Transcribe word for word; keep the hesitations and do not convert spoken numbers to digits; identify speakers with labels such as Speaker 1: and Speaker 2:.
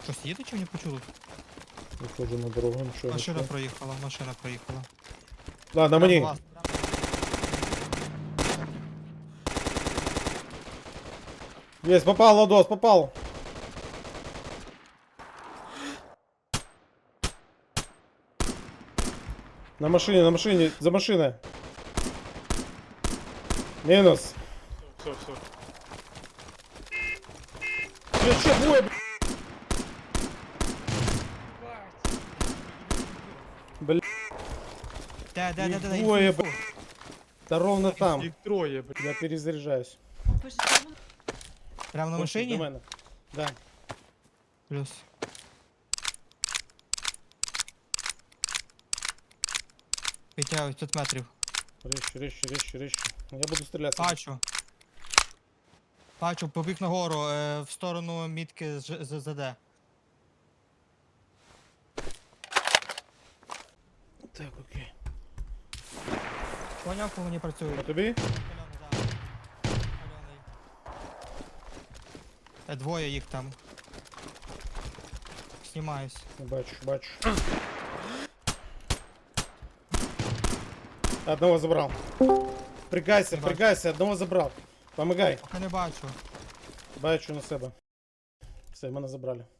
Speaker 1: Щось їде чи не почули?
Speaker 2: Виходжу на дорогу, нічого.
Speaker 1: Машина
Speaker 2: нічого.
Speaker 1: проїхала, машина проїхала.
Speaker 2: Ладно,
Speaker 1: Прямо
Speaker 2: мені.
Speaker 1: вас.
Speaker 2: Есть, попал, Ладос, попал. На машине, на машине, за машиной. Минус.
Speaker 3: Все, все.
Speaker 2: Че, че, двое, б***ь? Бля,
Speaker 1: Де, де, де, де, де,
Speaker 2: Двоє,
Speaker 1: інфу, інфу.
Speaker 2: да ровно там.
Speaker 3: Їх троє, блядь.
Speaker 2: Я перезаряжаюсь.
Speaker 1: Прямо на
Speaker 2: До
Speaker 1: машині?
Speaker 2: мене. Да.
Speaker 1: Плюс. Підтягують п'ять метрів.
Speaker 2: Резче, резче, резче, резче. Я буду стрелять.
Speaker 1: Бачу. Бачу, побіг нагору, е, в сторону мітки з Ж- з ЗД.
Speaker 2: Так, окей.
Speaker 1: Поняв, по мені працюють.
Speaker 2: А тобі?
Speaker 1: Пальоний, да. Пальоний. Е, Двоє їх там. Знімаюсь.
Speaker 2: Бачу, бачу. Одного забрал. Пригайся,
Speaker 1: Не бачу.
Speaker 2: пригайся, одного забрал. Помогай.
Speaker 1: Поки не бачу.
Speaker 2: Бачу на себе. Все, мене забрали.